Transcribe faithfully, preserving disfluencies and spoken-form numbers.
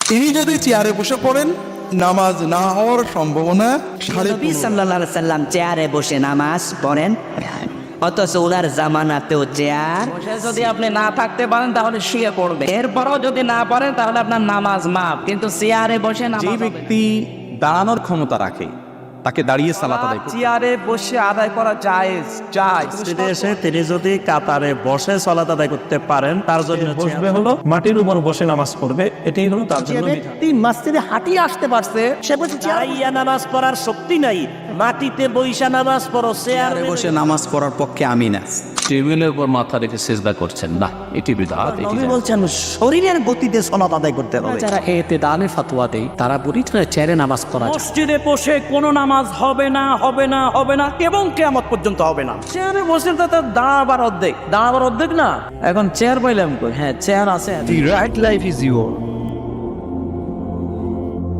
তিনি যদি চেয়ারে বসে পড়েন, নামাজ না হওয়ার সম্ভাবনা সাড়ে নবী সাল্লাল্লাহু আলাইহি সাল্লাম চেয়ারে বসে নামাজ পড়েন, অথচ ওনার জামানাতেও চেয়ার। বসে যদি আপনি না থাকতে পারেন তাহলে শুয়ে পড়বে, এরপরও যদি না পারেন তাহলে আপনার নামাজ মাফ, কিন্তু চেয়ারে বসে যে নামাজ ব্যক্তি দাঁড়ানোর ক্ষমতা রাখে তাকে দাঁড়িয়ে সালাত আদায় করতে চেয়ারে বসে আদায় করা জায়েজ জায়েজ মসজিদে এসে তিনি যদি কাতারে বসে সালাত আদায় করতে পারেন, তার জন্য বসবে হলো মাটির উপর বসে নামাজ পড়বে, এটাই হলো তার জন্য বিধান। ব্যক্তি মসজিদে হাঁটিয়ে আসতে পারছে, সে বলছে দাঁড়াইয়া নামাজ পড়ার শক্তি নাই, মাটিতে বইসা নামাজ পড়ো, চেয়ারে বসে নামাজ পড়ার পক্ষে আমি না। টেবিলের উপর মাথা রেখে সিজদা করছেন না, এটি বিদআত। এটি নবী বলছেন শরীরের গতিতে সালাত আদায় করতে হবে। যারা এতে দানে ফাতোয়া দেয় তারা বলি চেয়ারে নামাজ পড়া যায়। মসজিদে বসে কোনো নামাজ হবে না, হবে না, হবে না এবং কিয়ামত পর্যন্ত হবে না। চেয়ারে বসে তো তার দাঁড়াবার অর্ধেক দাঁড়াবার অর্ধেক না। এখন চেয়ার পাইলাম কই? হ্যাঁ চেয়ার আছে। The right life is yours.